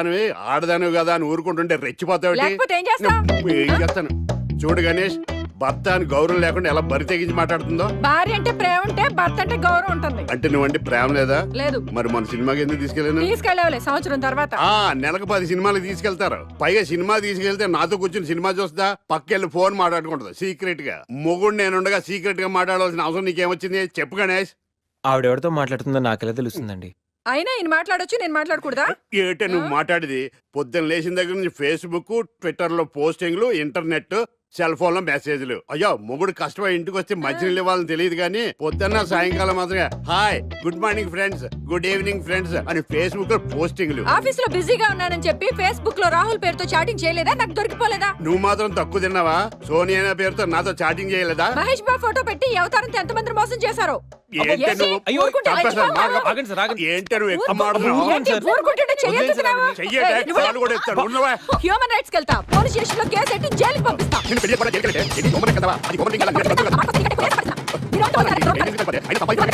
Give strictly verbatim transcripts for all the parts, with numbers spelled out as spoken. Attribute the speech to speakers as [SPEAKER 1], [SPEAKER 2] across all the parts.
[SPEAKER 1] ఆడదానివి ఆడదానివి కదా అని ఊరుకుంటుంటే రెచ్చిపోతావు.
[SPEAKER 2] లేకపోతే ఏం చేస్తావ్?
[SPEAKER 1] ఏం చేస్తాను చూడు గణేష్, భర్త అని గౌరవం లేకుండా ఎలా బరి తెగించి మాట్లాడుతుందో.
[SPEAKER 2] భార్య అంటే ప్రేమ ఉంటే భర్త అంటే గౌరవం ఉంటుంది.
[SPEAKER 1] అంటే నువ్వంటే ప్రేమ లేదా?
[SPEAKER 2] లేదు.
[SPEAKER 1] మరి మన సినిమాకి ఎందుకు తీసుకెళ్ళాను?
[SPEAKER 2] తీసుకెళ్ళవలే సంవత్సరం తర్వాత.
[SPEAKER 1] ఆ నెలకు పది సినిమాలకు తీసుకెళ్తారు. పైగా సినిమా తీసుకెళ్తే నాతో కూర్చుని సినిమా చూస్తా, పక్కెళ్ళి ఫోన్ మాట్లాడుకుంటుంది సీక్రెట్ గా. మొగుడు నేనుండగా సీక్రెట్ గా మాట్లాడాల్సిన అవసరం నీకేమొచ్చింది చెప్పు గణేష్.
[SPEAKER 3] ఆవిడెవరితో మాట్లాడుతుందో నాకెలా తెలుస్తుందండి?
[SPEAKER 2] అయినా ఈయన మాట్లాడొచ్చు, నేను మాట్లాడకూడదా?
[SPEAKER 1] ఏటే నువ్వు మాట్లాడేది? పొద్దున్న లేచిన దగ్గర నుంచి ఫేస్బుక్, ట్విట్టర్ లో పోస్టింగ్లు, ఇంటర్నెట్, సెల్ ఫోన్ లో మెసేజ్లు. అయ్యో మొగుడు కష్టమై ఇంటికి వస్తే మంచినీళ్ళు ఇవ్వాలని తెలియదు కానీ పొద్దున్న సాయంకాలం మాత్రమే hi good morning friends, good evening friends అని ఫేస్బుక్ లో పోస్టింగ్లు.
[SPEAKER 2] ఆఫీస్ లో బిజీగా ఉన్నానని చెప్పి ఫేస్బుక్ లో రాహుల్ పేరుతో చాటింగ్ చేయలేదా? నాకు దొరికిపోలేదా?
[SPEAKER 1] నువ్వు మాత్రం తక్కువ తిన్నావా? సోనియా పేరుతో నాతో చాటింగ్ చేయలేదా?
[SPEAKER 2] మహేష్ బాబు ఫోటో పెట్టి ఈ అవతారంతో ఎంత మంది మోసం చేశారో.
[SPEAKER 1] ఏంటి నువ్వు?
[SPEAKER 3] అయ్యో,
[SPEAKER 1] చంపేస్తాను. మాకు-
[SPEAKER 3] ఆగండి సార్, ఆగండి.
[SPEAKER 1] ఏంటి నువ్వు ఎక్కువ మాట్లాడుతున్నావు?
[SPEAKER 2] ఏంటి ఊరుకుంటుంటే చెయ్యొద్దుతున్నావా?
[SPEAKER 1] చెయ్యటే
[SPEAKER 2] ఏయ్, నువ్వు-
[SPEAKER 1] కాలు కూడా ఎత్తాను. ఉన్నవా?
[SPEAKER 2] హ్యూమన్ రైట్స్ కెళ్తా, పోలీస్ స్టేషన్ లో కేసు ఎట్టి జైలుకి పంపిస్తా.
[SPEAKER 1] నిన్ను పెళ్లి కూడా జైలుకి వెళ్తే, ఇది గవర్నమెంట్ కదా? అది గవర్నమెంట్ కదా? నేను చెప్తాను కదా.
[SPEAKER 2] మీరు అంతా ఉన్నారు.
[SPEAKER 1] ఏంటి ఇంత పని? అయినా సంపాదించాలి.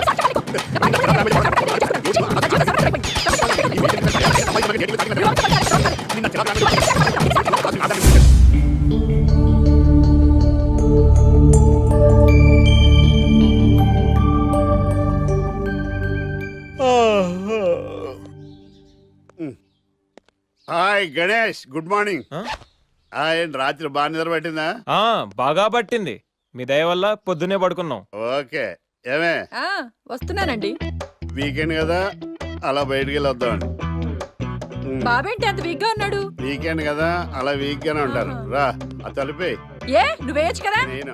[SPEAKER 1] నిన్న చిరాకు హాయ్ గణేష్, గుడ్ మార్నింగ్. ఆయన రాత్రి బాగా నిద్ర పట్టిందా?
[SPEAKER 3] ఆ బాగా పట్టింది. మీ దయ వల్ల పొద్దునే పడుకున్నాం.
[SPEAKER 1] ఓకే. ఏమే
[SPEAKER 2] ఆ, వస్తున్నానండి.
[SPEAKER 1] వీకెండ్ కదా, అలా బయటికి వెళ్ళి వద్దామండి.
[SPEAKER 2] బాబేంటి అంత వీక్ గా ఉన్నాడు?
[SPEAKER 1] వీకెండ్ కదా, అలా వీక్ గానే ఉంటారు. రా ఆ తలిపే.
[SPEAKER 2] ఏ నువ్వేయచ్చు కదా?
[SPEAKER 1] నేను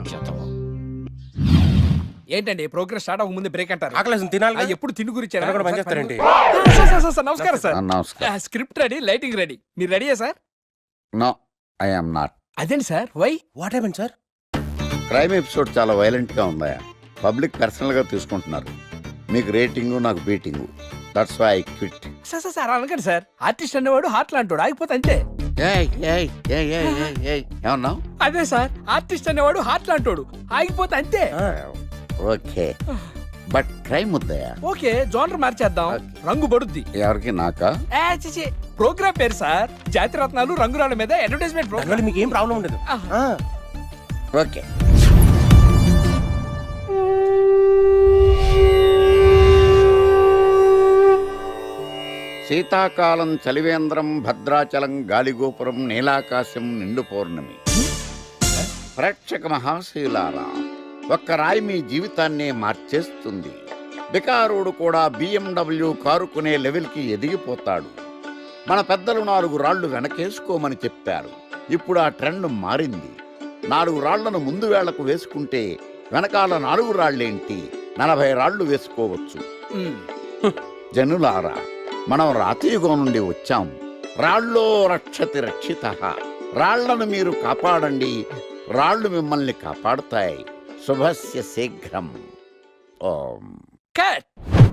[SPEAKER 4] ఏంటండి ప్రోగ్రెస్ స్టార్ట్ అవ్వక ముందు బ్రేక్ అంటారు?
[SPEAKER 5] ఆకలేసం తినాలి కదా?
[SPEAKER 4] ఎప్పుడు తిని గురించి
[SPEAKER 5] తినడం కూడా పని చేస్తారేంటి?
[SPEAKER 4] నమస్కారం సార్.
[SPEAKER 6] నమస్కారం.
[SPEAKER 4] Script ready, lighting ready. మీరు రెడీయా sir?
[SPEAKER 6] No I am not.
[SPEAKER 4] అదేంటి sir, why?
[SPEAKER 5] What happened sir?
[SPEAKER 6] Crime episode చాలా వైలెంట్ గా ఉందా? పబ్లిక్ పర్సనల్ గా తీసుకుంటున్నారు. మీకు రేటింగ్, నాకు beating. That's why I quit.
[SPEAKER 4] Sir sir sir అనకండి సార్. ఆర్టిస్ట్ అనేవాడు హార్ట్ లాంటోడు, ఆగిపోతే అంతే.
[SPEAKER 6] ఏమన్నావు?
[SPEAKER 4] అదే సార్, ఆర్టిస్ట్ అనేవాడు హార్ట్ లాంటోడు, ఆగిపోతే అంతే.
[SPEAKER 6] ఓకే, బట్ క్రైమ్ వద్దయా?
[SPEAKER 4] ఓకే, జోనర్ మార్చేద్దాం. రంగు పడుద్ది.
[SPEAKER 6] ఎవరికి? నాకా?
[SPEAKER 4] ఏ, చిచి, ప్రోగ్రామ్ పేరు సార్ జాతి రత్నాలు రంగురాళ్ళ మీద అడ్వర్టైజ్మెంట్
[SPEAKER 5] దానివల్ల
[SPEAKER 4] ప్రోగ్రామ్.
[SPEAKER 5] మీకు ఏం ప్రాబ్లం ఉండదు. ఆ.
[SPEAKER 6] ఓకే. శీతాకాలం చలివేంద్రం, భద్రాచలం గాలిగోపురం, నీలాకాశం, నిండు పౌర్ణమి. ప్రేక్షక మహాశీలారా, ఒక్క రాయి మీ జీవితాన్నే మార్చేస్తుంది. బికారోడు కూడా బిఎండబ్ల్యూ కారు కొనే లెవెల్కి ఎదిగిపోతాడు. మన పెద్దలు నాలుగు రాళ్లు వెనకేసుకోమని చెప్పారు. ఇప్పుడు ఆ ట్రెండ్ మారింది. నాలుగు రాళ్లను ముందు వేళ్లకు వేసుకుంటే వెనకాల నాలుగు రాళ్లేంటి, నలభై రాళ్లు వేసుకోవచ్చు. జనులారా, మనం రాతియుగం నుండి వచ్చాం. రాళ్ళో రక్షతి రక్షితః. రాళ్లను మీరు కాపాడండి, రాళ్లు మిమ్మల్ని కాపాడుతాయి. శుభస్య శీఘ్రం. ఓం.
[SPEAKER 4] కట్.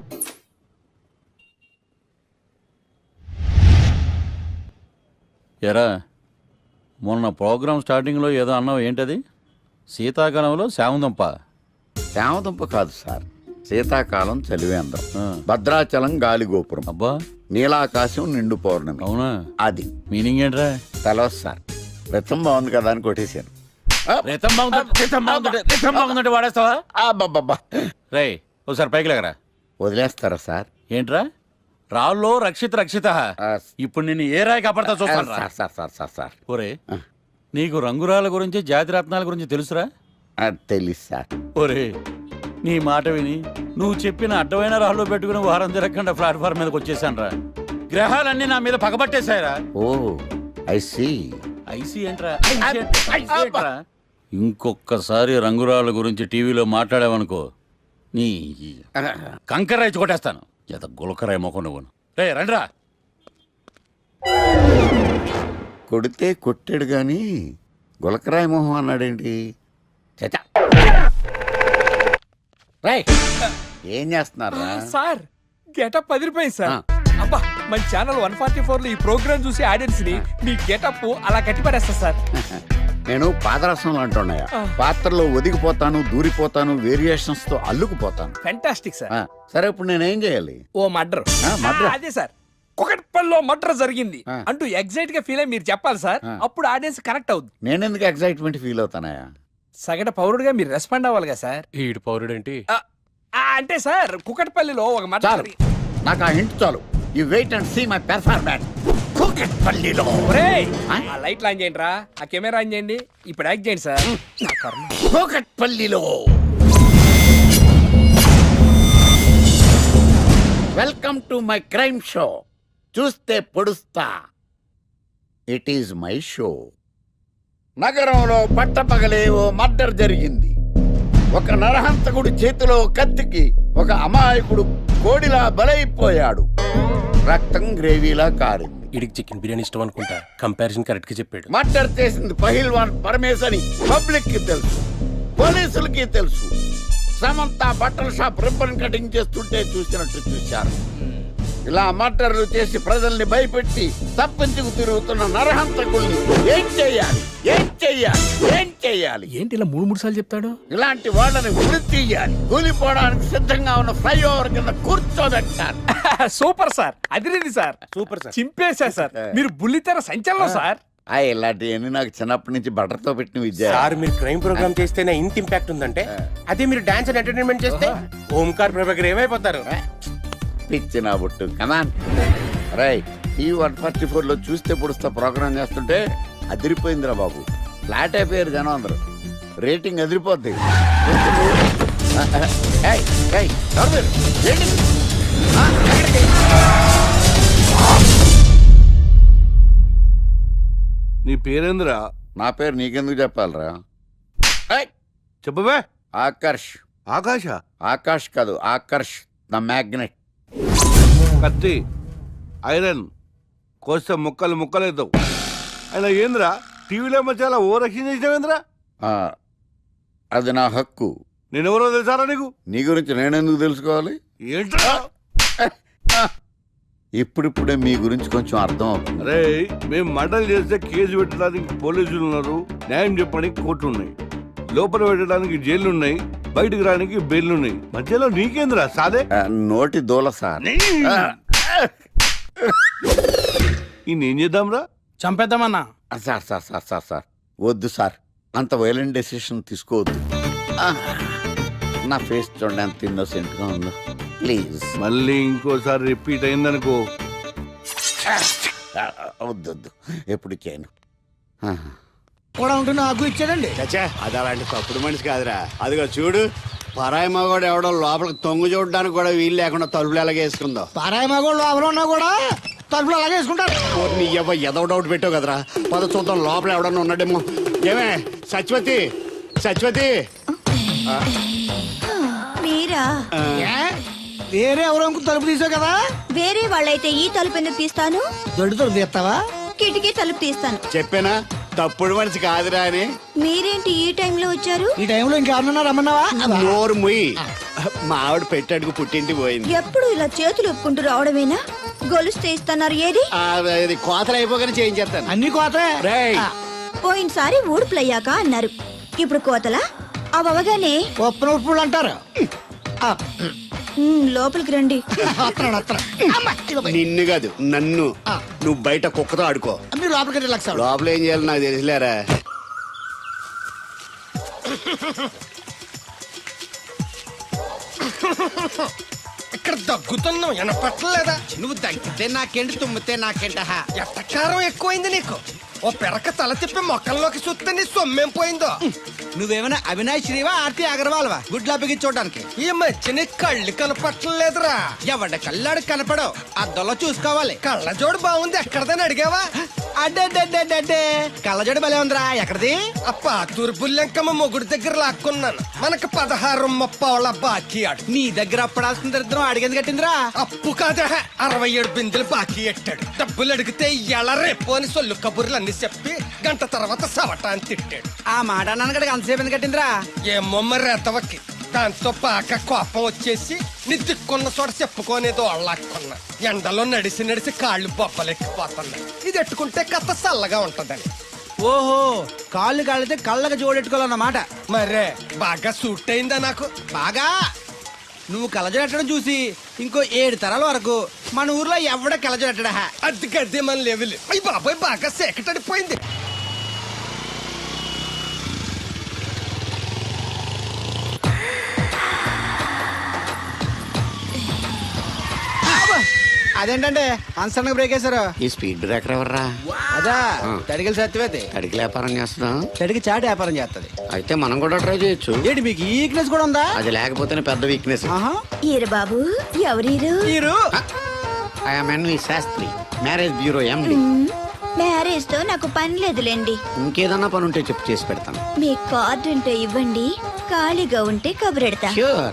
[SPEAKER 7] ఎరా, మొన్న ప్రోగ్రామ్ స్టార్టింగ్లో ఏదో అన్నావు, ఏంటది? శీతాకాలంలో శామందంప?
[SPEAKER 6] శామదుంప కాదు సార్, శీతాకాలం చలివేంద్రం,
[SPEAKER 7] ఆ.
[SPEAKER 6] భద్రాచలం గాలిగోపురం,
[SPEAKER 7] అబ్బా,
[SPEAKER 6] నీలాకాశం, నిండు పౌర్ణమి.
[SPEAKER 7] అవునా?
[SPEAKER 6] అది
[SPEAKER 7] మీనింగ్ ఏంట్రా?
[SPEAKER 6] తెలవదు సార్. రతం బాగుంది కదా అని కొట్టేశాను.
[SPEAKER 7] రితం బాగుందంటే రితం బాగుందంటే రితం బాగుందంటే వాడేస్తావా?
[SPEAKER 6] అబ్బబ్బబ్బా.
[SPEAKER 7] రేయ్, ఒకసారి పైకి లేకరా.
[SPEAKER 6] వదిలేస్తారా సార్?
[SPEAKER 7] ఏంట్రా? రాళ్ళో రక్షిత రక్షిత.
[SPEAKER 6] ఆ,
[SPEAKER 7] ఇప్పుడు నిన్ను ఏ రాయి కాపాడతా చూస్తాను.
[SPEAKER 6] Sir sir sir sir sir
[SPEAKER 7] ఒరే, నీకు రంగురాల గురించి, జాతి రత్నాల గురించి తెలుసురా?
[SPEAKER 6] ఆ, తెలీదు సార్.
[SPEAKER 7] ఒరే, నీ మాట విని నువ్వు చెప్పిన అడ్డమైన రాళ్ళు పెట్టుకుని వారం తిరగకుండా ప్లాట్ఫామ్ మీదకి వచ్చేసాను రా. గ్రహాలన్నీ నా మీద పగబట్టేశాయరా.
[SPEAKER 6] Oh I see.
[SPEAKER 7] ఐసీ ఏంట్రా? ఐసీ ఏంట్రా? ఐసీ ఏంట్రా? ఇంకొక్కసారి రంగురాళ్ళ గురించి టీవీలో మాట్లాడావనుకో, నీ కంకర్రాయి కొట్టేస్తాను. ఎంత గులకరాయి మొక్క నువ్వు. రే రండ్రా.
[SPEAKER 6] కొడితే కొట్టాడు గాని గులకరాయి మొహం అన్నాడేంటి? చచా. రేయ్, ఏం చేస్తున్నారా?
[SPEAKER 4] సార్ గెటప్ అదిరిపోయింది సార్. అబ్బా, మన ఛానల్ వన్ ఫార్టీ ఫోర్ లో ఈ ప్రోగ్రామ్ చూసి ఆడియన్స్ ని మీ గెటప్ అలా కట్టి పడేస్తా సార్.
[SPEAKER 6] నేను పాదరసం అంటున్నాయా, పాత్రలో ఒదిగిపోతాను, దూరిపోతాను, వేరియేషన్స్ తో అల్లుకుపోతాను.
[SPEAKER 4] Fantastic sir.
[SPEAKER 6] ఆ, సరే ఇప్పుడు నేనేం చేయాలి?
[SPEAKER 4] ఓ మర్డర్.
[SPEAKER 6] ఆ, murder.
[SPEAKER 4] అదే సార్, కుకట్పల్లిలో మర్డర్ జరిగింది
[SPEAKER 6] ఆ.
[SPEAKER 4] అంటూ ఎగ్జైట్ గా ఫీల్ అయ్యి మీరు చెప్పాలి సార్.
[SPEAKER 6] ఆ.
[SPEAKER 4] అప్పుడు ఆడియన్స్ కనెక్ట్ అవుద్ది.
[SPEAKER 6] నేనెందుకు ఎక్సైట్మెంట్ ఫీల్ అవుతానయా?
[SPEAKER 4] సగటు పౌరుడుగా మీరు రెస్పాండ్ అవ్వాలి కదా సార్.
[SPEAKER 5] ఈడు పౌరుడేంటి?
[SPEAKER 4] ఆ, ఆ, అంటే సార్ కుకట్పల్లిలో ఒక మర్డర్
[SPEAKER 6] చాలు,
[SPEAKER 4] జరిగి-
[SPEAKER 6] నాకు ఆ హింట్ చాలు. You wait and see my performance. కూకట్పల్లిలో
[SPEAKER 4] ఒరేయ్,
[SPEAKER 6] ఆ?
[SPEAKER 4] ఆ లైట్లు ఆన్ చేయండి రా, ఆ కెమెరా ఆన్ చేయండి, ఇప్పుడు యాక్ట్ చేయండి సార్. నా కర్మ.
[SPEAKER 6] కూకట్పల్లిలో welcome to my crime show. చూస్తే పొడుస్తా, ఇట్ ఈజ్ మై షో. నగరంలో పట్టపగలే ఓ మర్డర్ జరిగింది. ఒక నరహంతకుడి చేతిలో కత్తికి ఒక అమాయకుడు కోడిలా బలైపోయాడు. రక్తం గ్రేవీలా కారింది.
[SPEAKER 5] ఈడికి చికెన్ బిర్యానీ ఇష్టం అనుకుంటా. కంపారిజన్ కరెక్ట్ గా చెప్పాడు.
[SPEAKER 6] మర్డర్ చేసింది పహిల్వాన్ పరమేశ్ అని పబ్లిక్ కి తెలుసు, పోలీసులకి తెలుసు. సమంత బట్టల షాప్ రిబ్బన్ కటింగ్ చేస్తుంటే చూసినట్టు చూశారు. ఇలా మర్డర్లు చేసి ప్రజల్ని భయపెట్టి తప్పించుకు తిరుగుతున్న నరహంతకుల్ని ఏం చెయ్యాలి, ఏం చెయ్యాలి, ఏం చెయ్యాలి?
[SPEAKER 4] ఏంటి ఇలా మూడు మూడు సార్లు చెప్తాడు?
[SPEAKER 6] ఇలాంటి వాళ్ళని వృత్తి తీయాలి. కూలిపోవడానికి సిద్ధంగా ఉన్న ఫ్లైఓవర్ కింద కూర్చోబెట్టాలి.
[SPEAKER 4] సూపర్ సార్, అదిరింది సార్,
[SPEAKER 5] సూపర్ సార్.
[SPEAKER 4] చింపేశా సార్. మీరు బుల్లితెర సంచలనం సార్.
[SPEAKER 6] ఆ ఇలాంటివన్నీ నాకు చిన్నప్పటి నుంచి బట్టర్తో పెట్టిన విద్య.
[SPEAKER 5] సార్ మీరు క్రైమ్ ప్రోగ్రామ్ చేస్తేనే ఇంత ఇంపాక్ట్ ఉందంటే, అదే మీరు డాన్స్ అండ్ ఎంటర్టైన్మెంట్ చేస్తే ఓంకార్ ప్రభాకర్ ఏమైపోతారు?
[SPEAKER 6] పిచ్చి నా బుట్టు కమాన్. రై ఈ వన్ ఫార్టీ ఫోర్ లో చూస్తే పొడుస్తా ప్రోగ్రామ్ చేస్తుంటే అదిరిపోయిందిరా బాబు. ఫ్లాట్ అయిపోయారు జనం అందరూ. రేటింగ్ అదిరిపోద్ది. ఏయ్, ఏయ్, ఎవరు మీరు? ఏంటి? ఆ, ఎక్కడికి?
[SPEAKER 8] నీ పేరేంద్రా?
[SPEAKER 6] నా పేరు నీకెందుకు చెప్పాలరా? ఏయ్,
[SPEAKER 8] చెప్పవే.
[SPEAKER 6] ఆకర్ష్.
[SPEAKER 8] ఆకాశ.
[SPEAKER 6] ఆకాష్ కాదు, ఆకర్ష్ ద మ్యాగ్నెట్.
[SPEAKER 8] కత్తి, ఐరన్ కోస్తే ముక్కలు ముక్కలేద్దావు. అయినా ఏంద్రా టీవీలో మధ్య ఓ రక్షణ చేసినావేంద్రా?
[SPEAKER 6] ఆ, అది నా హక్కు.
[SPEAKER 8] నేనెవరో తెలుసారా నీకు?
[SPEAKER 6] నీ గురించి నేనెందుకు తెలుసుకోవాలి?
[SPEAKER 8] ఏంట్రా?
[SPEAKER 6] ఇప్పుడిప్పుడే మీ గురించి కొంచెం అర్థం అవుతుంది.
[SPEAKER 8] అరే మేము మర్డర్ చేస్తే కేసు పెట్టడానికి పోలీసులు ఉన్నారు, న్యాయం చెప్పడానికి కోర్టులు ఉన్నాయి, లోపల పెట్టడానికి జైలు ఉన్నాయి, బయటకు రానికి బెయిల్ ఉన్నాయి. మధ్యలో నీకేంద్రా సాదే?
[SPEAKER 6] ఆ, నోటి దూల సార్. ఆ,
[SPEAKER 8] ఈ నేను చేద్దాంరా?
[SPEAKER 4] చంపేద్దామన్నా.
[SPEAKER 6] ఆ, sir sir sir sir sir వద్దు సార్, అంత వైలెంట్ డెసిషన్ తీసుకోవద్దు. ఆ, నా ఫేస్ చూడండి ఎంత innocent గా ఉందో. ప్లీజ్
[SPEAKER 8] మళ్ళీ ఇంకోసారి రిపీట్ అయిందనుకో.
[SPEAKER 6] వద్దు వద్దు, ఎప్పుడు చేయను. ఆ,
[SPEAKER 9] కూడా ఉంటే నాకు ఇచ్చాడండి.
[SPEAKER 1] చచ్చా అది అలాంటి తప్పుడు మనిషి కాదురా. అదిగో చూడు, పరాయి మగవాడు ఎవడో లోపలికి తొంగు చూడడానికి కూడా వీలు లేకుండా తలుపులు ఎలాగ వేసుకుందో.
[SPEAKER 9] పారాయి మగోళ్ళు లోపల ఉన్నా కూడా తలుపులు అలాగే వేసుకుంటారు.
[SPEAKER 1] నీ ఎవ ఎదవ డౌట్ పెట్టావు కదరా. పద చూద్దాం లోపల ఎవడన్నా ఉన్నాడేమో. ఏమే సత్యవతి, సత్యవతి.
[SPEAKER 2] మీరా?
[SPEAKER 9] ఏ? వేరే ఎవరో ఇంకో తలుపు తీసావు కదా.
[SPEAKER 2] వేరే వాళ్ళైతే ఈ తలుపు ఎందుకు తీస్తాను?
[SPEAKER 9] దొడ్డు తలుపు తీస్తావా?
[SPEAKER 2] కిటికీ తలుపు తీస్తాను.
[SPEAKER 1] చెప్పానా తప్పుడు మనిషి కాదురా అని.
[SPEAKER 2] మీరేంటి ఈ టైంలో వచ్చారు?
[SPEAKER 9] ఈ టైంలో ఇంకెవరన్నా రమ్మన్నావా?
[SPEAKER 1] నోరు ముయ్యి. మా ఆవిడ పెట్టాడుకు పుట్టింటి పోయింది.
[SPEAKER 2] ఎప్పుడు ఇలా చేతులు ఒప్పుకుంటూ రావడమేనా? గొలుస్తే ఇస్తున్నారు ఏది?
[SPEAKER 1] ఆ, ఇది కోతలు అయిపోగానే చేయించేస్తాను.
[SPEAKER 9] అన్ని కోతే.
[SPEAKER 1] రేయ్.
[SPEAKER 9] ఆ,
[SPEAKER 2] పోయినసారి ఊడుపులయ్యాక అన్నారు, ఇప్పుడు కోతలా? అవగానే
[SPEAKER 9] ఉప్పు ఉప్పులు అంటారు. ఆ,
[SPEAKER 2] లోపలికి రండి.
[SPEAKER 9] వస్తున్నాడు, వస్తున్నాడు. అమ్మ, ఇదిగో పోయి.
[SPEAKER 1] నిన్ను కాదు నన్ను.
[SPEAKER 9] ఆ.
[SPEAKER 1] నువ్వు బయట కుక్కతో ఆడుకో.
[SPEAKER 9] మీరు లోపలికి రిలాక్స్ అవ్వండి.
[SPEAKER 1] లోపల ఏం చేయాలి నాకు తెలిసిలేరా.
[SPEAKER 10] ఇక్కడ దగ్గుతున్నావు వినపట్టలేదా? నువ్వు దగ్గితే నాకేంటి, తుమ్మితే నాకేంట? ఎట్టకారం ఎక్కువైంది నీకు. ఓ పెరక తల తిప్పి మొక్కల్లోకి చూస్తే నీ సొమ్మేం పోయిందో.
[SPEAKER 9] నువ్వేమైనా అవినాష్ శ్రీవా, ఆర్తి అగర్వాల్వా గుడ్లా బిగించోడానికి?
[SPEAKER 10] ఈ మధ్య నీ కళ్ళు కనపట్టలేదురా.
[SPEAKER 9] ఎవడ కళ్ళాడు కనపడవు, అద్దంలో చూసుకోవాలి.
[SPEAKER 10] కళ్ళజోడు బాగుంది, ఎక్కడదని అడిగావా?
[SPEAKER 9] అడ్డే కళ్ళజోడు భలే ఉందిరా. ఎక్కడిది?
[SPEAKER 10] ఆ పాతూరు బుల్లెంకమ్మ మొగుడు దగ్గర లాక్కున్నాను. మనకు పదహారు ముప్పావుల బాకీ ఆడు.
[SPEAKER 9] నీ దగ్గర అప్పడాల్సిన దరిద్రం అడిగేది కట్టిందిరా.
[SPEAKER 10] అప్పు కాదా, అరవై ఏడు బిందెలు బాకీ ఎట్టాడు. డబ్బులు అడిగితే ఎలా రేపు అని సొల్లు కబుర్లు అన్ని చెప్పి గంట తర్వాత సవటాన్ని తిట్టాడు.
[SPEAKER 9] ఆ మాట నాన్నగడికి అంతసేపు ఎందుకు కట్టిందిరా?
[SPEAKER 10] ఏమో మరి రెతవకి. దాంతో బాగా కోపం వచ్చేసి నీ దిక్కున్న చోట చెప్పుకోనేదో అళ్ళాక్కున్నా. ఎండలో నడిసి నడిసి కాళ్ళు బొబ్బలెక్కిపోతున్నాయి. ఇది ఎట్టుకుంటే కథ చల్లగా ఉంటదని.
[SPEAKER 9] ఓహో, కాళ్ళు కాళ్ళైతే కళ్ళకి జోడెట్టుకోవాలన్నమాట.
[SPEAKER 10] మరే బాగా సూట్ అయిందా నాకు?
[SPEAKER 9] బాగా. నువ్వు కళ్ళజోడెట్టడం చూసి ఇంకో ఏడు తరాల వరకు మన ఊర్లో ఎవడ కలజడట్టడా
[SPEAKER 10] అది గడ్డి మన లెవెల్ అయ్యి బాబాయ్ బాగా సేకటడిపోయింది.
[SPEAKER 9] అదేంటంటే అన్సడన్ బ్రేక్ వేశారు.
[SPEAKER 6] ఈ స్పీడ్ బ్రేకర్ ఎవర్రా?
[SPEAKER 9] అదా తడికలు సత్యవేతి
[SPEAKER 6] అడిగి వ్యాపారం చేస్తున్నాం.
[SPEAKER 9] తడికి చాటి వ్యాపారం చేస్తది.
[SPEAKER 6] అయితే మనం కూడా ట్రై చేయొచ్చు.
[SPEAKER 9] ఏంటి మీకు ఈక్నెస్ కూడా ఉందా?
[SPEAKER 6] అది లేకపోతేనే పెద్ద వీక్నెస్.
[SPEAKER 2] ఈరు బాబు ఎవరీరు?
[SPEAKER 9] మీరు
[SPEAKER 6] I'm NV Shastri, marriage bureau MD.
[SPEAKER 2] Marriage తో నాకు పని లేదులేండి.
[SPEAKER 6] ఇంకేదన్నా పని ఉంటే చెప్పు, చేసి పెడతాను.
[SPEAKER 2] మీ కార్డు ఉంటే ఇవ్వండి, ఖాళీగా ఉంటే కబురెడతా.
[SPEAKER 6] ష్యూర్.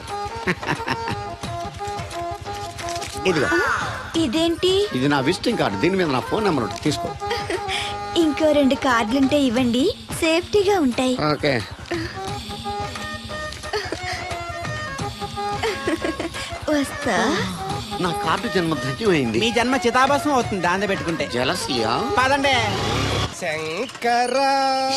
[SPEAKER 6] ఇదిగో,
[SPEAKER 2] ఇదేంటి?
[SPEAKER 6] ఇది నా విజిటింగ్ కార్డు. దీని మీద నా ఫోన్ నెంబర్ ఉంటుంది, తీసుకో.
[SPEAKER 2] ఇంకో రెండు కార్డులుంటే ఇవ్వండి, సేఫ్టీగా ఉంటాయి.
[SPEAKER 6] ఓకే.
[SPEAKER 2] వస్తా.
[SPEAKER 6] నా కార్డు జన్మ ధన్యమైంది.
[SPEAKER 9] మీ జన్మ చితాభాసం అవుతుంది దాన్ని పెట్టుకుంటే.
[SPEAKER 6] జలసియా?
[SPEAKER 9] పదండి.
[SPEAKER 10] శంకరా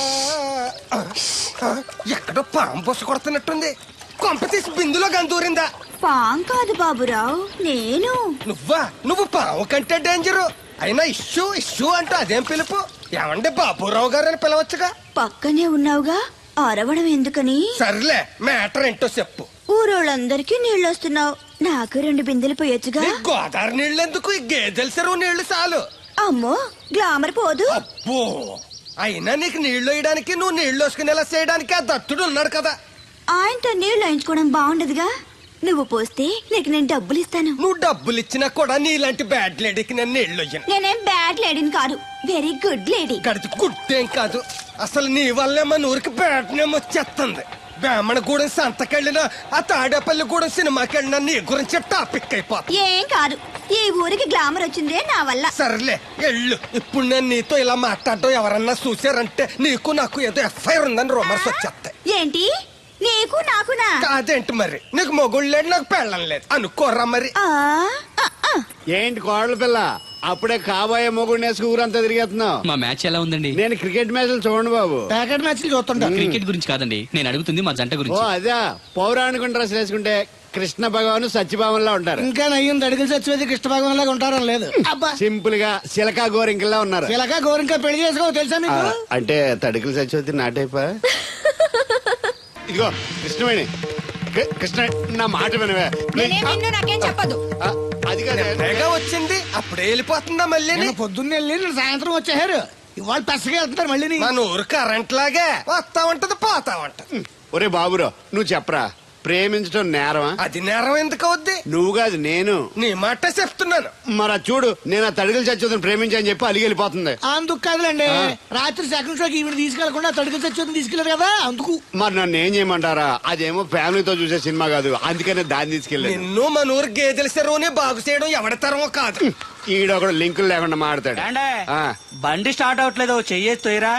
[SPEAKER 10] ఎక్కడో పాము బొస్స కొడుతున్నట్టుంది. కొంప తీసి బిందులో గందూరిందా?
[SPEAKER 2] పాం కాదు బాబురావు, నేను.
[SPEAKER 10] నువ్వా? నువ్వు పాము కంటే డేంజరు. అయినా ఇష్యూ ఇష్యూ అంటూ అదేం పిలుపు? ఏమంటే బాబురావు గారు అని పిలవచ్చుగా.
[SPEAKER 2] పక్కనే ఉన్నావుగా, అరవడం ఎందుకని?
[SPEAKER 10] సర్లే, మ్యాటర్ ఏంటో చెప్పు.
[SPEAKER 2] ఊరోళ్ళందరికీ నీళ్ళొస్తున్నావు, నాకు రెండు బిందెలు పోయొచ్చుగా.
[SPEAKER 10] ఈ గోదావరి నీళ్ళు ఎందుకు? ఈ గేదెల చెరువు నీళ్లు చాలు.
[SPEAKER 2] అమ్మో, గ్లామర్ పోదు.
[SPEAKER 10] అబ్బో, అయినా నీకు నీళ్లు వేయడానికి, నువ్వు నీళ్లు వేసుకునేలా చేయడానికి ఆ దత్తుడు ఉన్నాడు కదా.
[SPEAKER 2] ఆయనతో నీళ్లు వేయించుకోవడం బాగుండదుగా. నువ్వు పోస్తే నీకు నేను డబ్బులు ఇస్తాను.
[SPEAKER 10] నువ్వు డబ్బులు ఇచ్చినా కూడా నీలాంటి బ్యాడ్ లేడీకి నేను నీళ్లు ఇయ్యను.
[SPEAKER 2] నేనేం బ్యాడ్ లేడీని కాదు, వెరీ గుడ్ లేడీ.
[SPEAKER 10] గడిచి గుడ్డేం కాదు. అసలు నీ వల్లే మన ఊరికి బ్యాడ్ నేమ్ వచ్చేస్తుంది. బ్రాహ్మణగూడెం సంతకెళ్ళినా, ఆ తాడేపల్లిగూడెం సినిమాకి వెళ్ళినా నీ గురించి టాపిక్ అయిపోతుంది.
[SPEAKER 2] ఏం కాదు, ఈ ఊరికి గ్లామర్ వచ్చిందే నా వల్ల.
[SPEAKER 10] సర్లే ఎళ్ళు. ఇప్పుడు నేను నీతో ఇలా మాట్లాడటం ఎవరన్నా చూసారంటే నీకు నాకు ఏదో ఎఫ్ఐఆర్ ఉందని రూమర్స్ వచ్చేస్తాయి.
[SPEAKER 2] ఏంటి? నీకు నాకునా?
[SPEAKER 10] కాదేంటి మరి? నీకు మొగుళ్ళు లేదు, నాకు పెళ్ళం లేదు అనుకోరా మరి.
[SPEAKER 2] ఆ, ఆ, ఆ.
[SPEAKER 1] ఏంటి కోడల పిల్ల, అప్పుడే కాబోయే మొగుడు నేసుకు ఊరంతా తిరిగేస్తున్నావు?
[SPEAKER 11] మా మ్యాచ్ ఎలా ఉందండి?
[SPEAKER 1] నేను క్రికెట్ మ్యాచ్లు చూడండి బాబు.
[SPEAKER 9] ప్యాకెట్ మ్యాచ్లు చూస్తుంటా.
[SPEAKER 11] క్రికెట్ గురించి కాదండి, నేను అడుగుతుంది మా జంట
[SPEAKER 1] ఓ
[SPEAKER 11] గురించి.
[SPEAKER 1] అదే, పౌరాణిక డ్రెస్ వేసుకుంటే కృష్ణ భగవాన్ సత్యభావంలా ఉంటారు.
[SPEAKER 9] ఇంకా నయ్యం తడికలు సత్యవేతి కృష్ణ భగవాన్ లాగా ఉంటారని లేదు. అబ్బా,
[SPEAKER 1] సింపుల్ గా సిలకా గోరింకల్లా ఉన్నారు.
[SPEAKER 9] ఇలాగా గోరింకా పెళ్లి చేసుకో తెలుసా
[SPEAKER 1] ఆ,
[SPEAKER 9] మీకు?
[SPEAKER 1] అంటే తడికలు సత్యవతి నాటైపా. ఇదిగో కృష్ణవేణి, కృ- కృష్ణ నా మాట వినవే.
[SPEAKER 2] నేనేం నిన్ను నాకేం చెప్పదు.
[SPEAKER 1] ఆ, అది కాదే.
[SPEAKER 10] తెగ వచ్చింది, అప్పుడే వెళ్ళిపోతుందా మళ్ళీ?
[SPEAKER 9] నేను పొద్దున్నే వెళ్ళి నేను సాయంత్రం వచ్చేసారు. ఇవాళ పెసగా వెళ్తున్నారు మళ్ళీ.
[SPEAKER 10] మన ఊరు కరెంట్ లాగే వస్తా ఉంటది, పోతా ఉంటది.
[SPEAKER 1] ఒరే బాబురా, నువ్వు చెప్పరా, ప్రేమించడం నేరమా?
[SPEAKER 10] అది నేరం ఎందుకు అవుద్ది?
[SPEAKER 1] నువ్వు కాదు నేను.
[SPEAKER 10] నీ మాట చెప్తున్నాను.
[SPEAKER 1] మరి అది చూడు, నేను ఆ తడికలు చచ్చుదని ప్రేమించని చెప్పి అలిగి వెళ్ళిపోతుంది.
[SPEAKER 9] అందుకు కాదులేండి, రాత్రి సెకండ్ షోకి ఈవిడ తీసుకెళ్లకుండా తడికలు సత్యవేతి తీసుకెళ్లారు కదా అందుకు.
[SPEAKER 1] మరి నన్ను ఏం చేయమంటారా? అదేమో ఫ్యామిలీతో చూసే సినిమా కాదు, అందుకనే దాన్ని తీసుకెళ్ళాను.
[SPEAKER 10] నిన్ను మన ఊరు గేదెల చెరువుని బాగు చేయడం ఎవరి తరమో కాదు.
[SPEAKER 1] ఈడ ఒకడు లింకులు లేకుండా మాడతాడు. ఆ.
[SPEAKER 11] బండి స్టార్ట్ అవట్లేదు, చెయ్యేసి తోయరా.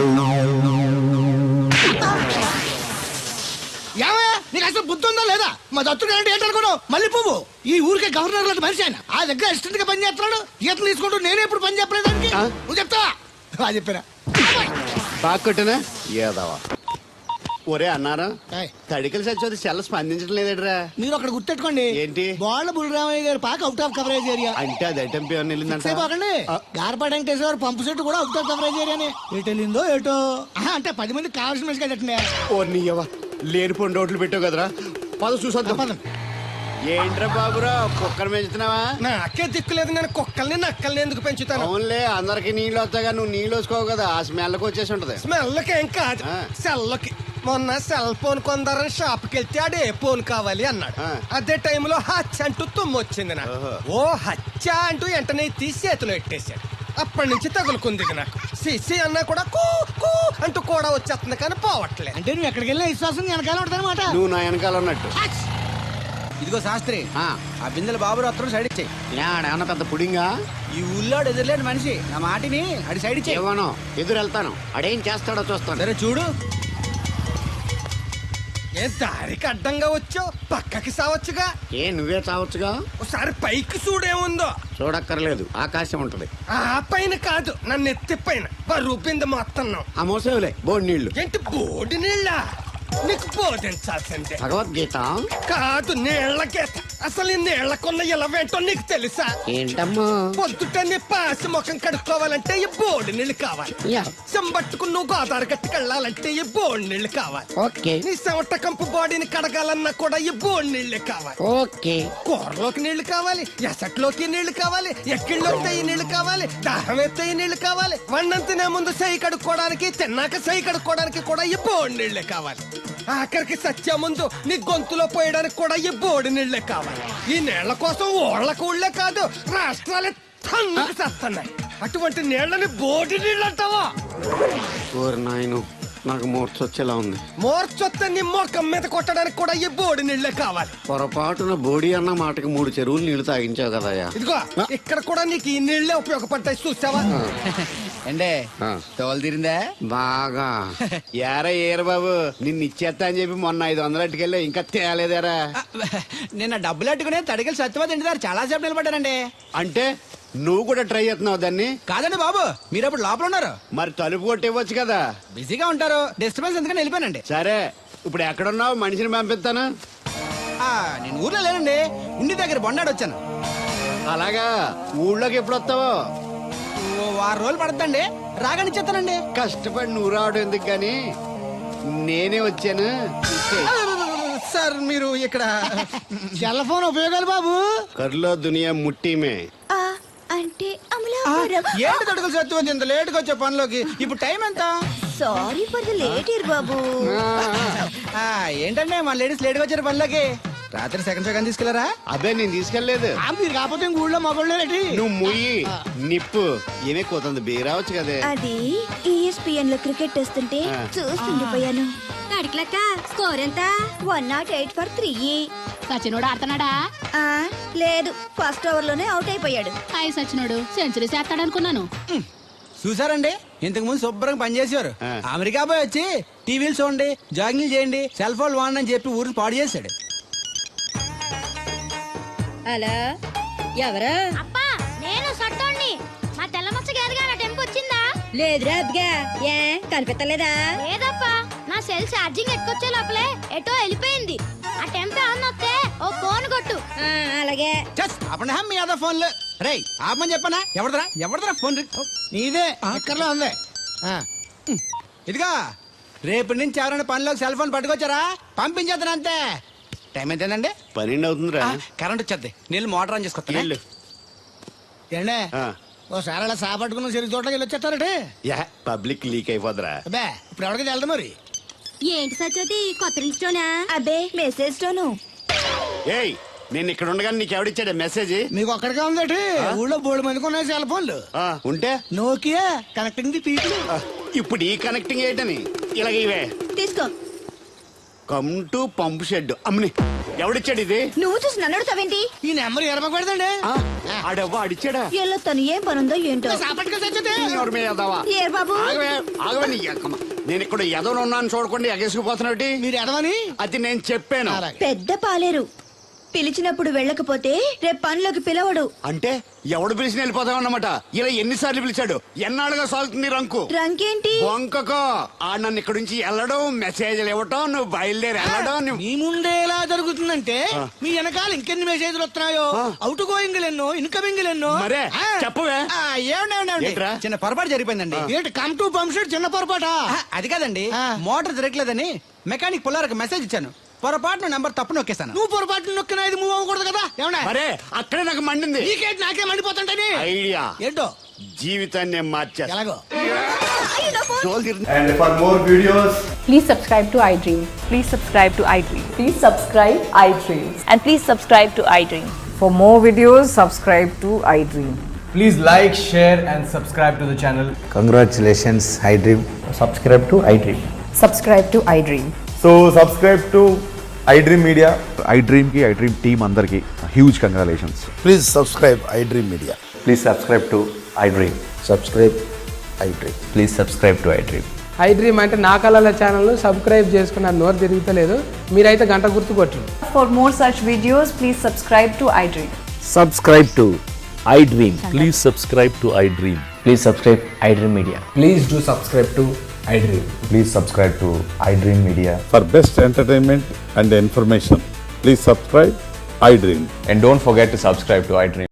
[SPEAKER 9] ఏమయ్యా, నీకు అసలు బుద్ధి ఉందా లేదా? మా దత్తుడు అంటే ఏంటనుకున్నావు? మళ్ళీ పువ్వు ఈ ఊరికే గవర్నర్ లాంటి మనిషి ఆయన. ఆ దగ్గర అసిస్టెంట్ గా పని చేస్తున్నాడు. ఈతలు తీసుకుంటూ నేనే ఇప్పుడు పని చెప్పలేదు దానికి.
[SPEAKER 1] ఆ?
[SPEAKER 9] నువ్వు చెప్తావా? బాగా చెప్పారా?
[SPEAKER 1] బాగా కొట్టినా ఏదవా. ఒరే అన్నారా,
[SPEAKER 9] ఏయ్,
[SPEAKER 1] తడికలు చచ్చి సెల్ల స్పందించడం లేదట్రా.
[SPEAKER 9] మీరు అక్కడ గుర్తెట్టుకోండి.
[SPEAKER 1] ఏంటి?
[SPEAKER 9] బాళ్ళ బుల్రామయ్య గారు పాక అవుట్ ఆఫ్ కవరేజ్ ఏరియా.
[SPEAKER 1] అంటే అది ఐటెంపీ అని వెళ్ళిందంట.
[SPEAKER 9] సేపకండి గార్పాటి వెంకటేశ్వర పంపు సెట్ కూడా అవుట్ ఆఫ్ కవరేజ్ ఏరియానే. ఎటు వెళ్ళిందో ఏటో. ఆహా, అంటే పది మంది కావాల్సిన మనిషి కదండి.
[SPEAKER 1] ఓ నీయవ్వ, లేనిపోయిన రోడ్లు పెట్టావు కదరా. పద చూసొద్దాం. ఏంట్రా బాబురా, కుక్కర్ పెంచుతున్నావా?
[SPEAKER 10] నాకే దిక్కులేదు, నేను కుక్కల్ని నక్కల్ని ఎందుకు పెంచుతాను?
[SPEAKER 1] అవునులే, అందరికి నీళ్ళు వస్తాగా, నువ్వు నీళ్ళు వేసుకోవు కదా, ఆ స్మెల్కి వచ్చేసి ఉంటది.
[SPEAKER 10] స్మెల్కి ఏం కాదు,
[SPEAKER 1] ఆ.
[SPEAKER 10] సెల్కి. మొన్న సెల్ ఫోన్ కొందరని షాప్కి వెళ్తే ఆడు ఏ ఫోన్ కావాలి అన్నాడు.
[SPEAKER 1] ఆ.
[SPEAKER 10] అదే టైంలో హచ్చ అంటూ తుమ్ము వచ్చింది నాకు.
[SPEAKER 1] ఓహో.
[SPEAKER 10] ఓ హచ్చ అంటూ వెంటనే తీసి చేతిలో ఎట్టేశాడు. అప్పటి నుంచి తగులుకుంది ఇది నాకు. సిసి అన్నా కూడా కూ కూ అంటూ కూడా వచ్చేస్తుంది కానీ పోవట్లేదు.
[SPEAKER 9] అంటే నువ్వు ఎక్కడికి వెళ్ళినా విశ్వాసం వెనకాల ఉంటానమాట.
[SPEAKER 1] నువ్వు నా వెనకాల ఉన్నట్టు.
[SPEAKER 9] ఇదిగో శాస్త్రి,
[SPEAKER 6] ఆ,
[SPEAKER 9] ఆ బిందెల బాబు రత్నం సైడ్ ఇచ్చేయి.
[SPEAKER 6] ఏమన్నా పెద్ద పుడింగా?
[SPEAKER 9] ఈ ఊళ్ళో ఎదురులేని మనిషి, నా మాటిని అడి సైడ్ ఇచ్చేయి.
[SPEAKER 6] ఇవ్వను, ఎదురు వెళ్తాను. అడేం చేస్తాడో చూస్తాను.
[SPEAKER 9] సరే చూడు.
[SPEAKER 10] ఏ దారికి అడ్డంగా వచ్చావు, పక్కకి సావచ్చుగా.
[SPEAKER 6] ఏ నువ్వే చావచ్చుగా.
[SPEAKER 10] ఒకసారి పైకి చూడేముందో.
[SPEAKER 6] చూడక్కర్లేదు, ఆకాశం ఉంటది.
[SPEAKER 10] ఆ పైన కాదు, నన్ను ఎత్తి పైన రూపింది మొత్తం.
[SPEAKER 6] ఆ మోసేవులే బోడి నీళ్లు.
[SPEAKER 10] ఏంటి బోడి నీళ్ళ? నీకు బోధించాల్సిందే.
[SPEAKER 6] భగవద్గీత
[SPEAKER 10] కాదు, నీళ్ల గీత. అసలు ఈ నీళ్లకున్న ఇలవేంటో నీకు తెలుసా?
[SPEAKER 6] ఏంటమ్మా?
[SPEAKER 10] పొద్దుట నీ పాసి ముఖం కడుక్కోవాలంటే ఈ బోడి నీళ్ళు కావాలి.
[SPEAKER 6] యా.
[SPEAKER 10] చెంబట్టుకుని నువ్వు గోదావరి గట్టుకు వెళ్ళాలంటే ఈ బోడి నీళ్ళు కావాలి.
[SPEAKER 6] ఓకే
[SPEAKER 10] నీ చెమట కంపు బాడీని కడగాలన్నా కూడా ఈ బోడి నీళ్ళే కావాలి.
[SPEAKER 6] ఓకే
[SPEAKER 10] కూరలోకి నీళ్లు కావాలి, ఎసట్లోకి నీళ్లు కావాలి, ఎక్కిళ్ళొస్తే ఈ నీళ్లు కావాలి, దాహం ఎత్తే ఈ నీళ్లు కావాలి. వండం తినే ముందు సై కడుక్కోవడానికి, తిన్నాక సై కడుక్కోవడానికి కూడా ఈ బోడి నీళ్లే కావాలి. ఆఖరికి సత్య ముందు నీ గొంతులో పోయడానికి కూడా ఈ బోడి నీళ్లే కావాలి. ఈ నీళ్ల కోసం ఓళ్లకు ఊళ్ళే కాదు, రాష్ట్రాలే తన్నుకు చేస్తున్నాయి. అటువంటి నీళ్లని బోడి నీళ్ళు అంటావా?
[SPEAKER 6] ఓరి నాయను, నాకు మూర్చొచ్చేలా ఉంది.
[SPEAKER 10] మోర్చొత్తే నీ మొఖం మీద కొట్టడానికి కూడా ఈ బోడి నీళ్లే కావాలి.
[SPEAKER 6] పొరపాటున బోడి అన్న మాటకి మూడు చెరువులు నీళ్లు తాగించావు కదయ్యా.
[SPEAKER 10] ఇదిగో ఇక్కడ కూడా నీకు ఈ నీళ్లే ఉపయోగపడతాయి, చూసావా?
[SPEAKER 9] అంటే తోలు తీరిందా?
[SPEAKER 6] బాగా
[SPEAKER 1] ఏరా ఏరు బాబు, నిన్ను ఇచ్చేస్తా అని చెప్పి మొన్న ఐదు వందలు అట్టుకెళ్ళి ఇంకా తేలేదారా?
[SPEAKER 9] నిన్న డబ్బులు అట్టుకునే తడికలు సత్యవతి ఇంటి చాలా సేపు నిలబడ్డానండి.
[SPEAKER 1] అంటే నువ్వు కూడా ట్రై చేస్తున్నావు దాన్ని?
[SPEAKER 9] కాదండి బాబు, మీరు అప్పుడు లోపల ఉన్నారు,
[SPEAKER 1] మరి తలుపు కొట్టివ్వచ్చు కదా.
[SPEAKER 9] బిజీగా ఉంటారు, డిస్టర్బెన్స్ ఎందుకని వెళ్ళిపోయానండి.
[SPEAKER 1] సరే, ఇప్పుడు ఎక్కడున్నావు? మనిషిని పంపిస్తాను.
[SPEAKER 9] ఆ, నేను ఊర్లో లేనండి, ఇంటి దగ్గర బొండాడు వచ్చాను.
[SPEAKER 1] అలాగా, ఊళ్ళోకి ఎప్పుడు వస్తావో?
[SPEAKER 9] ఓ వారం రోజులు పడుతుందండి, రాగానే చెప్తానండి.
[SPEAKER 1] కష్టపడి నువ్వు రావడం ఎందుకు గాని నేనే వచ్చాను.
[SPEAKER 9] సార్ మీరు ఇక్కడ
[SPEAKER 10] సెల్ ఫోన్ ఉపయోగాలు బాబు.
[SPEAKER 1] కర్లో దునియా ముట్టిమే.
[SPEAKER 2] అంటే
[SPEAKER 9] ఏంటి తడుకులు సత్యవతి ఇంత లేట్ గా వచ్చే పనిలోకి? ఇప్పుడు టైం ఎంత?
[SPEAKER 2] Sorry for the late year బాబు.
[SPEAKER 9] ఆ, ఏంటంటే మన లేడీస్ లేట్ గా వచ్చారు పనిలోకి. రాత్రి సెకండ్ సెకండ్ తీసుకెళ్లారా?
[SPEAKER 1] అదే నేను తీసుకెళ్లేదు.
[SPEAKER 10] మీరు కాకపోతే ఊళ్ళో మగోళ్ళేటి.
[SPEAKER 1] నువ్వు ముయ్యి నిప్పు ఏమే కోతుంది బీరావచ్చు కదే.
[SPEAKER 2] అది ఈఎస్పిఎన్ లో క్రికెట్ టెస్తుంటే చూస్తుండిపోయాను. స్కోర్ ఎంత? One not eight for three.
[SPEAKER 12] సచినోడు ఆడుతున్నాడా?
[SPEAKER 2] లేదు, ఫస్ట్ ఓవర్ లోనే అవుట్ అయిపోయాడు.
[SPEAKER 12] హాయ్ సచినోడు సెంచరీ చేస్తాడనుకున్నాను.
[SPEAKER 9] చూసారండి, ఇంతకు ముందు శుభ్రంగా పనిచేసేవారు. అమెరికా పోయి వచ్చి టీవీలు చూడండి, జాగింగ్ చేయండి, సెల్ ఫోన్ వాడండి అని చెప్పి ఊరిని పాడు చేశాడు.
[SPEAKER 2] అలా ఎవరా?
[SPEAKER 12] అప్పా నేను సట్టోణ్ణి. మా తెల్లమచ్చ గారిగా నా టెంపు వచ్చిందా?
[SPEAKER 2] లేదురా అబ్బగా, ఏ కనిపెట్టలేదా?
[SPEAKER 12] లేదప్పా, నా సెల్ ఛార్జింగ్ ఎక్కొచ్చే లోపలే ఎటో వెళ్ళిపోయింది. ఆ టెంపు ఆన్ వస్తే ఓ ఫోన్ కొట్టు.
[SPEAKER 2] అలాగే.
[SPEAKER 9] అప్పుడు మీ అదా ఫోన్లు రే ఆపమని చెప్పనా? ఎవడదరా ఎవడదరా ఫోన్?
[SPEAKER 10] నీదే ఎక్కర్లో ఉంది.
[SPEAKER 9] ఇదిగా రేపటి నుంచి ఎవరైనా పనిలోకి సెల్ ఫోన్ పట్టుకొచ్చారా పంపించేద్దాను అంతే. టైం ఎంతేనండి?
[SPEAKER 1] పన్నెండు అవుతుందిరా.
[SPEAKER 9] కరెంట్ వచ్చేద్ది, నీళ్ళు మోటార్ ఆన్ చేసుకొస్తా.
[SPEAKER 10] ఏండే ఓసారి అలా సాపట్టుకున్న చెరుకు తోటకి వెళ్ళి వచ్చేస్తారటే.
[SPEAKER 1] యా, పబ్లిక్ లీక్ అయిపోద్రా.
[SPEAKER 10] అబ్బే ఇప్పుడు ఎవరికి వెళ్దాం మరి?
[SPEAKER 12] ఏంటి సత్యవతి కొత్త రిజిస్టోనా?
[SPEAKER 2] అబ్బే మెసేజ్ తోను.
[SPEAKER 1] ఏయ్, నేను ఇక్కడ ఉండగానే నీకు ఎవడిచ్చాడు మెసేజ్?
[SPEAKER 10] మీకు ఒక్కడికే ఉందటి, ఊళ్ళో బోర్డు మందికి ఉన్నాయి సెల్ ఫోన్లు.
[SPEAKER 1] ఆ, ఉంటే
[SPEAKER 10] నోకియా కనెక్టింగ్ ది పీపుల్.
[SPEAKER 1] ఆ, ఇప్పుడు ఈ కనెక్టింగ్ ఏంటని ఇలాగ ఇవే
[SPEAKER 2] తీసుకో.
[SPEAKER 1] Come to pump shed. అమ్మని ఎవడిచ్చాడు ఇది?
[SPEAKER 2] నువ్వు చూసి నన్ను అడుగుతావేంటి?
[SPEAKER 10] ఈ నెంబర్ ఎరమకూడదండి.
[SPEAKER 1] ఆడవ్వ అడిచాడా?
[SPEAKER 2] ఎల్లో తను ఏం పనుందో ఏంటో.
[SPEAKER 1] ఎవరి మీద ఎదవా?
[SPEAKER 2] ఏ బాబు?
[SPEAKER 1] ఆగవే, ఆగవే నీ ఎక్కమ్మ. నేను ఇక్కడ ఎదవను ఉన్నాను చూడకుండా ఎగేసుకుపోతున్నాడు.
[SPEAKER 10] మీరు ఎదవని
[SPEAKER 1] అది నేను చెప్పాను.
[SPEAKER 2] పెద్ద పాలేరు పిలిచినప్పుడు వెళ్ళకపోతే రేపు పనిలోకి పిలవడు.
[SPEAKER 1] అంటే ఎవడు పిలిచిన వెళ్ళిపోతామన్నమాట. ఇలా ఎన్నిసార్లు పిలిచాడు? ఎన్నాళ్ళుగా సాగుతుంది రంకు.
[SPEAKER 2] రంకేంటి?
[SPEAKER 1] వంకకో ఆ నన్ను ఇక్కడ నుంచి వెళ్ళడం, మెసేజ్లు ఇవ్వటం, నువ్వు బయలుదేరి వెళ్ళడం. నువ్వు
[SPEAKER 10] మీ ముందే ఎలా జరుగుతుందంటే మీ వెనకాల ఇంకెన్ని మెసేజ్లు వస్తున్నాయో. అవుట్ గోయింగ్ ఎన్నో, ఇన్కమింగ్ ఎన్నో.
[SPEAKER 1] మరే చెప్పవే.
[SPEAKER 9] ఏమండి చిన్న పొరపాటు జరిగిపోయిందండి.
[SPEAKER 10] ఏంటి కమ్ టు పంప్ షెడ్ చిన్న పొరపాటా?
[SPEAKER 9] అది కాదండి, మోటార్ తిరగలేదని మెకానిక్ పుల్లారకు మెసేజ్ ఇచ్చాను. పొరపాటున నెంబర్ తప్పు నొక్కేస్తాను.
[SPEAKER 10] నువ్వు పొరపాటు నొక్కినా ఇది మూవ్ అవ్వకూడదు కదా. ఏమన్నా
[SPEAKER 1] మరే అక్కడే నాకు మండింది.
[SPEAKER 10] నీకేంటి నాకే మండిపోతుంటని
[SPEAKER 1] ఐడియా
[SPEAKER 10] ఏంటో
[SPEAKER 1] జీవితాన్ని మార్చేస్తా.
[SPEAKER 10] ఎలాగో.
[SPEAKER 13] And for more videos, please subscribe to iDream. Please subscribe to iDream. Please subscribe iDream. And please subscribe to iDream. For more videos, subscribe to iDream.
[SPEAKER 3] Please like, share and subscribe to the channel.
[SPEAKER 13] Congratulations, iDream. Subscribe to iDream. Subscribe to iDream.
[SPEAKER 8] So subscribe to iDream media. iDream కి iDream team అందరికి huge congratulations.
[SPEAKER 13] Please subscribe iDream Media. Please subscribe to iDream. Subscribe iDream. Please subscribe to iDream.
[SPEAKER 4] iDream అంటే నా కళల channel subscribe చేసుకున్న నోరు తిరుగుతలేదు. మీరైతే గంట గుర్తు కొట్టండి.
[SPEAKER 13] For more such videos, please subscribe to iDream. Subscribe to iDream. Please subscribe to iDream. Please subscribe iDream Media.
[SPEAKER 4] Please do subscribe to iDream.
[SPEAKER 14] Please subscribe to iDream Media.
[SPEAKER 8] For best entertainment and information, please subscribe iDream.
[SPEAKER 14] And don't forget to subscribe to iDream.